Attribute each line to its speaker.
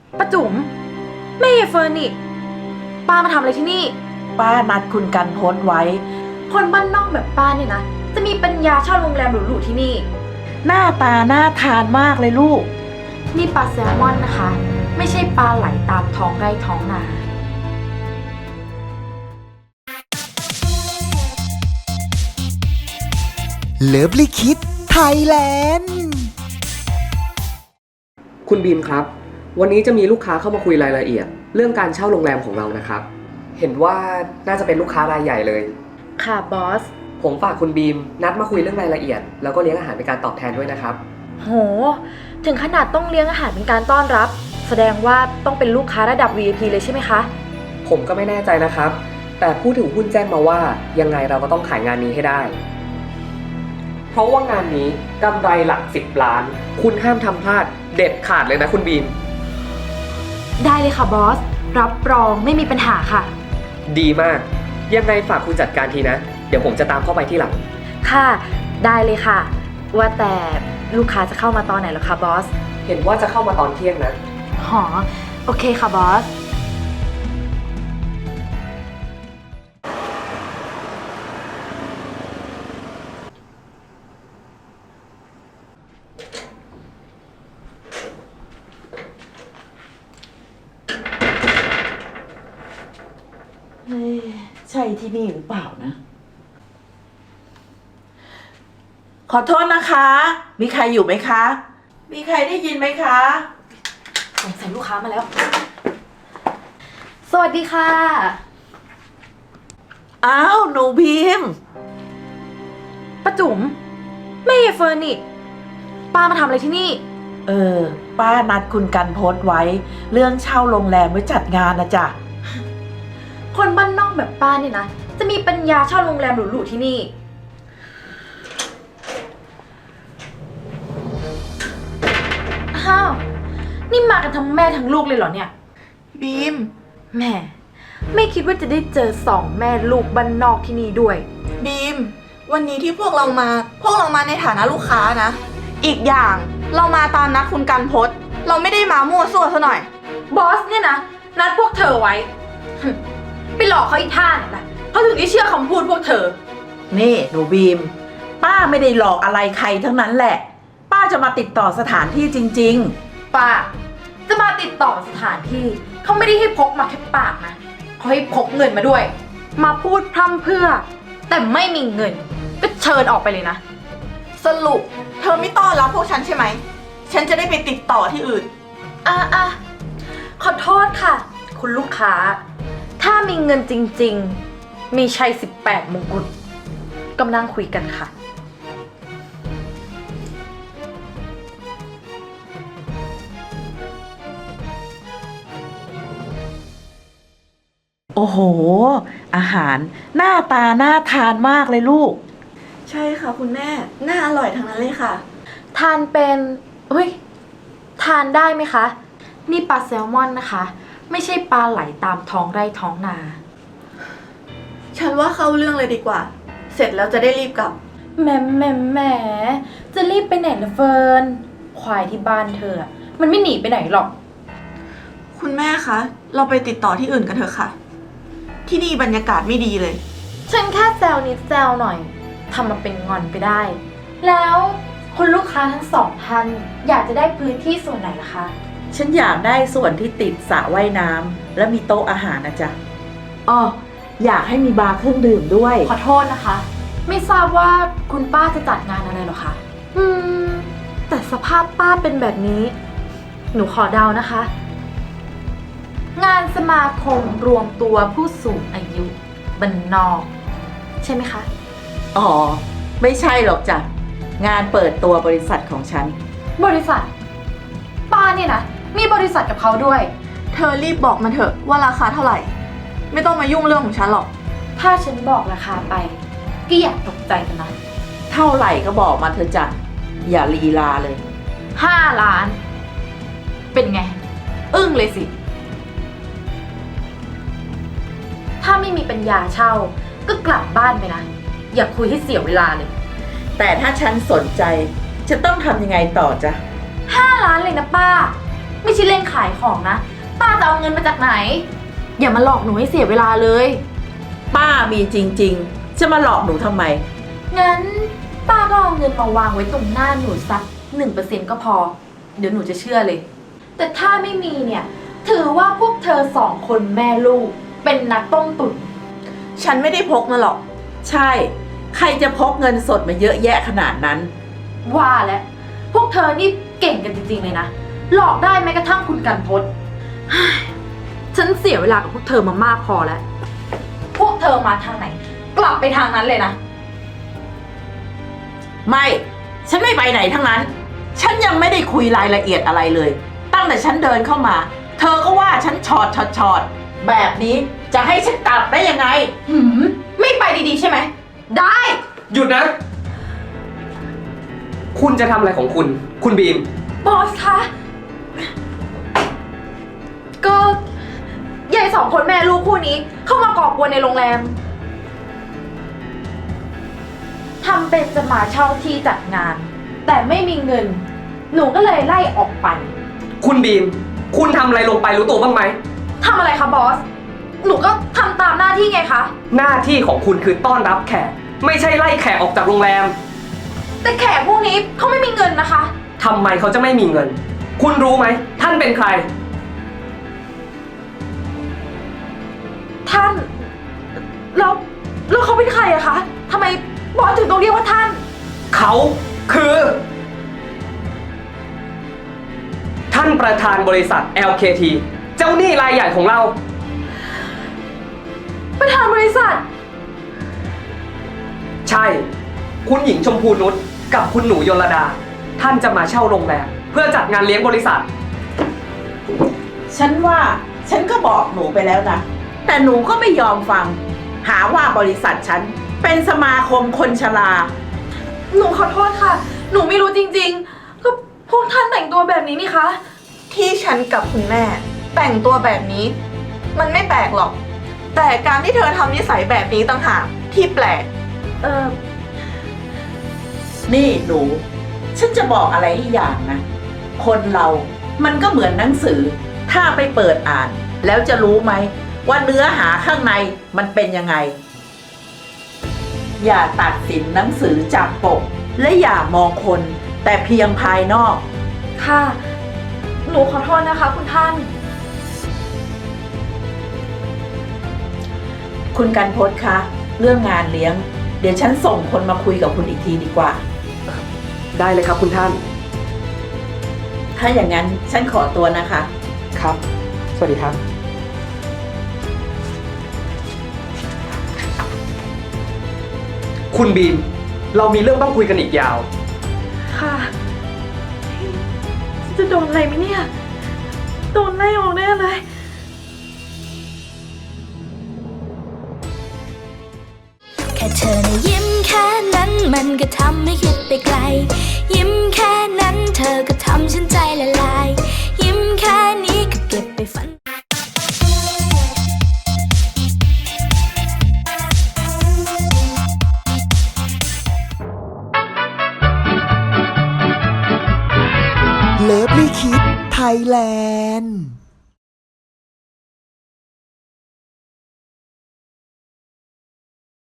Speaker 1: ป้าจุ๋มแม่ยายเฟิร์นนี่ป้ามาทำอะไรที่นี่
Speaker 2: ป้านัดคุณกันพศไว้
Speaker 1: คนบ้านนอกแบบป้าเนี่ยนะจะมีปัญญาเช่าโรงแรมหรูๆที่นี่
Speaker 2: หน้าตาน่าทานมากเลยลูก
Speaker 1: นี่ปลาแซลมอนนะคะ ไม่ใช่ปลาไหลตามท้องไร่ท้องนา
Speaker 3: เลิฟลิคิดไทยแลนด์
Speaker 4: คุณบีมครับวันนี้จะมีลูกค้าเข้ามาคุยรายละเอียดเรื่องการเช่าโรงแรมของเรานะครับเห็นว่าน่าจะเป็นลูกค้ารายใหญ่เลย
Speaker 1: ค่ะบอส
Speaker 4: ผมฝากคุณบีมนัดมาคุยเรื่องรายละเอียดแล้วก็เลี้ยงอาหารเป็นการตอบแทนด้วยนะครับ
Speaker 1: โหถึงขนาดต้องเลี้ยงอาหารเป็นการต้อนรับแสดงว่าต้องเป็นลูกค้าระดับ VIP เลยใช่ไหมคะ
Speaker 4: ผมก็ไม่แน่ใจนะครับแต่ผู้ถือหุ้นแจ้งมาว่ายังไงเราก็ต้องขายงานนี้ให้ได้เพราะว่างานนี้กำไรหลัก10 ล้านคุณห้ามทำพลาดเด็ดขาดเลยนะคุณบีม
Speaker 1: ได้เลยค่ะบอสรับรองไม่มีปัญหาค่ะ
Speaker 4: ดีมากยังไงฝากคุณจัดการทีนะเดี๋ยวผมจะตามเข้าไปที่หลัง
Speaker 1: ค่ะได้เลยค่ะว่าแต่ลูกค้าจะเข้ามาตอนไหนเหรอคะบอส
Speaker 4: เห็นว่าจะเข้ามาตอนเที่ยงนะ
Speaker 1: หอโอเคค่ะบอส
Speaker 2: ใช่ที่นี่หรือเปล่านะขอโทษนะคะ มีใครอยู่ไหมคะ มีใครได้ยินไหมคะ
Speaker 1: สงสัยลูกค้ามาแล้วสวัสดีค่ะ
Speaker 2: อ้าวหนูพิมพ์
Speaker 1: ป้าจุ๋มแม่ยายเฟิร์นนี่ป้ามาทำอะไรที่นี่
Speaker 2: ป้านัดคุณกันพศไว้ เรื่องเช่าโรงแรมไว้จัดงานนะจ๊ะ
Speaker 1: คนบ้านนอกแบบป้าเนี่ยนะจะมีปัญญาเช่าโรงแรมหรูๆที่นี่อ้าวนี่มากันทั้งแม่ทั้งลูกเลยเหรอเนี่ย
Speaker 2: บีม
Speaker 1: แม่ไม่คิดว่าจะได้เจอสองแม่ลูกบ้านนอกที่นี่ด้วย
Speaker 5: บีมวันนี้ที่พวกเรามาในฐานะลูกค้านะอีกอย่างเรามาตามนัดคุณกันพศเราไม่ได้มามั่วซั่วซะหน่อย
Speaker 1: บอสเนี่ยนะนัดพวกเธอไว้ไปหลอกเขาอีกท่าเนี่ยนะเขาถึงได้เชื่อคำพูดพวกเธอ
Speaker 2: นี่หนูบีมป้าไม่ได้หลอกอะไรใครทั้งนั้นแหละป้าจะมาติดต่อสถานที่จริง
Speaker 1: ๆป้าจะมาติดต่อสถานที่เขาไม่ได้ให้พกมาแค่ปากนะเขาให้พกเงินมาด้วยมาพูดพร่ำเพื่อแต่ไม่มีเงินก็เชิญออกไปเลยนะ
Speaker 5: สรุปเธอไม่ต้อนรับพวกฉันใช่ไหมฉันจะได้ไปติดต่อที่อื่น
Speaker 1: ขอโทษค่ะคุณลูกค้าถ้ามีเงินจริงๆมีชัย18 มงกุฎกำลังคุยกันค่ะ
Speaker 2: โอ้โหอาหารหน้าตาน่าทานมากเลยลูก
Speaker 5: ใช่ค่ะคุณแม่น่าอร่อยทั้งนั้นเลยค่ะ
Speaker 1: ทานเป็นทานได้ไหมคะนี่ปลาแซลมอนนะคะไม่ใช่ปลาไหลตามท้องไร่ท้องนา
Speaker 5: ฉันว่าเข้าเรื่องเลยดีกว่าเสร็จแล้วจะได้รีบกลับ
Speaker 1: แหมจะรีบไปไหนล่ะเฟิร์นควายที่บ้านเธอมันไม่หนีไปไหนหรอก
Speaker 5: คุณแม่คะเราไปติดต่อที่อื่นกันเถอะค่ะที่นี่บรรยากาศไม่ดีเลย
Speaker 1: ฉันแค่แซวนิดแซวหน่อยทำมาเป็นงอนไปได้แล้วคุณลูกค้าทั้งสองท่านอยากจะได้พื้นที่ส่วนไหนล่ะคะ
Speaker 2: ฉันอยากได้ส่วนที่ติดสระว่ายน้ำและมีโต๊ะอาหารนะจ๊ะอ้ออยากให้มีบาร์เครื่องดื่มด้วย
Speaker 1: ขอโทษนะคะไม่ทราบว่าคุณป้าจะจัดงานอะไรหรอคะแต่สภาพป้าเป็นแบบนี้หนูขอเดานะคะ งานสมาคมรวมตัวผู้สูงอายุบ้านนอกใช่ไหมคะ
Speaker 2: อ๋อไม่ใช่หรอกจ้ะงานเปิดตัวบริษัทของฉัน
Speaker 1: บริษัทป้าเนี่ยนะมีบริษัทกับเขาด้วย
Speaker 5: เธอรีบบอกมาเถอะว่าราคาเท่าไหร่ไม่ต้องมายุ่งเรื่องของฉันหรอก
Speaker 1: ถ้าฉันบอกราคาไปก็อย่าตกใจกันนะ
Speaker 2: เท่าไหร่ก็บอกมาเถอะจ้ะอย่าลีลาเลย
Speaker 1: 5 ล้านเป็นไงอึ้งเลยสิถ้าไม่มีปัญญาเช่าก็กลับบ้านไปนะอย่าคุยให้เสียเวลาเลย
Speaker 2: แต่ถ้าฉันสนใจจะต้องทำยังไงต่อจ๊ะ
Speaker 1: 5 ล้านเลยนะป้าไม่ใช่เล่นขายของนะ ป้าจะเอาเงินมาจากไหน อย่ามาหลอกหนูให้เสียเวลาเลย
Speaker 2: ป้ามีจริงๆ จะมาหลอกหนูทำไม
Speaker 1: งั้นป้าก็เอาเงินมาวางไว้ตรงหน้าหนูสัก1%ก็พอ เดี๋ยวหนูจะเชื่อเลย แต่ถ้าไม่มีเนี่ย ถือว่าพวกเธอ2 คนแม่ลูก เป็นนักต้มตุ๋น
Speaker 5: ฉันไม่ได้พกมาหรอก
Speaker 2: ใช่ ใครจะพกเงินสดมาเยอะแยะขนาดนั้น
Speaker 1: ว่าแล้วพวกเธอนี่เก่งกันจริงๆเลยนะ หลอกได้แม้กระทั่งคุณกันพศ เฮ้ยฉันเสียเวลากับพวกเธอมามากพอแล้ว พวกเธอมาทางไหน กลับไปทางนั้นเลยนะ
Speaker 2: ไม่ ฉันไม่ไปไหนทั้งนั้น ฉันยังไม่ได้คุยรายละเอียดอะไรเลย ตั้งแต่ฉันเดินเข้ามา เธอก็ว่าฉันชอดแบบนี้จะให้ฉันกลับได้ยังไง
Speaker 1: ไม่ไปดีๆใช่ไหม ได้
Speaker 4: หยุดนะ คุณจะทำอะไรของคุณ คุณบีม
Speaker 1: บอสคะ ก็ยาย2 คนแม่ลูกคู่นี้ เข้ามาก่อกวนในโรงแรม ทำเป็นจะมาเช่าที่จัดงาน แต่ไม่มีเงิน หนูก็เลยไล่ออกไป
Speaker 4: คุณบีม คุณทำอะไรลงไปรู้ตัวบ้างไหม
Speaker 1: ทำอะไรคะบอส หนูก็ทำตามหน้าที่ไงคะ
Speaker 4: หน้าที่ของคุณคือต้อนรับแขก ไม่ใช่ไล่แขกออกจากโรงแรม
Speaker 1: แต่แขกพวกนี้เขาไม่มีเงินนะคะ
Speaker 4: ทำไมเขาจะไม่มีเงิน คุณรู้ไหม ท่านเป็นใคร
Speaker 1: ท่านแล้วเขาเป็นใครอะคะทำไมบอสถึงต้องเรียกว่าท่าน
Speaker 4: เขาคือ ท่านประธานบริษัท LKT เจ้าหนี้รายใหญ่ของเรา
Speaker 1: ประธานบริษัท
Speaker 4: ใช่ คุณหญิงชมพูนุชกับคุณหนูยลดา ท่านจะมาเช่าโรงแรมเพื่อจัดงานเลี้ยงบริษัท
Speaker 2: ฉันว่าฉันก็บอกหนูไปแล้วนะ แต่หนูก็ไม่ยอมฟัง หาว่าบริษัทฉันเป็นสมาคมคนชรา
Speaker 1: หนูขอโทษค่ะ หนูไม่รู้จริงๆ ก็พวกท่านแต่งตัวแบบนี้นี่คะ
Speaker 5: ที่ฉันกับคุณแม่ แต่งตัวแบบนี้ มันไม่แปลกหรอก แต่การที่เธอทำนิสัยแบบนี้ต่างหากที่แปลก
Speaker 2: นี่หนู ฉันจะบอกอะไรอีกอย่างนะ คนเรา มันก็เหมือนหนังสือ ถ้าไปเปิดอ่าน แล้วจะรู้ไหมว่าเนื้อหาข้างในมันเป็นยังไง อย่าตัดสินหนังสือจากปก และอย่ามองคนแต่เพียงภายนอก
Speaker 1: ค่ะ หนูขอโทษนะคะ คุณท่าน
Speaker 2: คุณกันพศคะ เรื่องงานเลี้ยง เดี๋ยวฉันส่งคนมาคุยกับคุณอีกทีดีกว่า
Speaker 4: ได้เลยครับคุณท่าน
Speaker 2: ถ้าอย่างนั้นฉันขอตัวนะคะ
Speaker 4: ครับ สวัสดีครับ คุณบีม เรามีเรื่องต้องคุยกันอีกยาว
Speaker 1: ค่ะ จะโดนอะไรไหมเนี่ย โดนไล่ออกแน่เลย
Speaker 6: แค่เธอนะยิ้มแค่นั้นมันก็ทำให้คิดไปไกล ยิ้มแค่นั้นเธอก็ทำฉันใจละลาย ยิ้มแค่นี้ก็เก็บไปฝัน
Speaker 3: เลิฟลี่คิดไทยแลนด์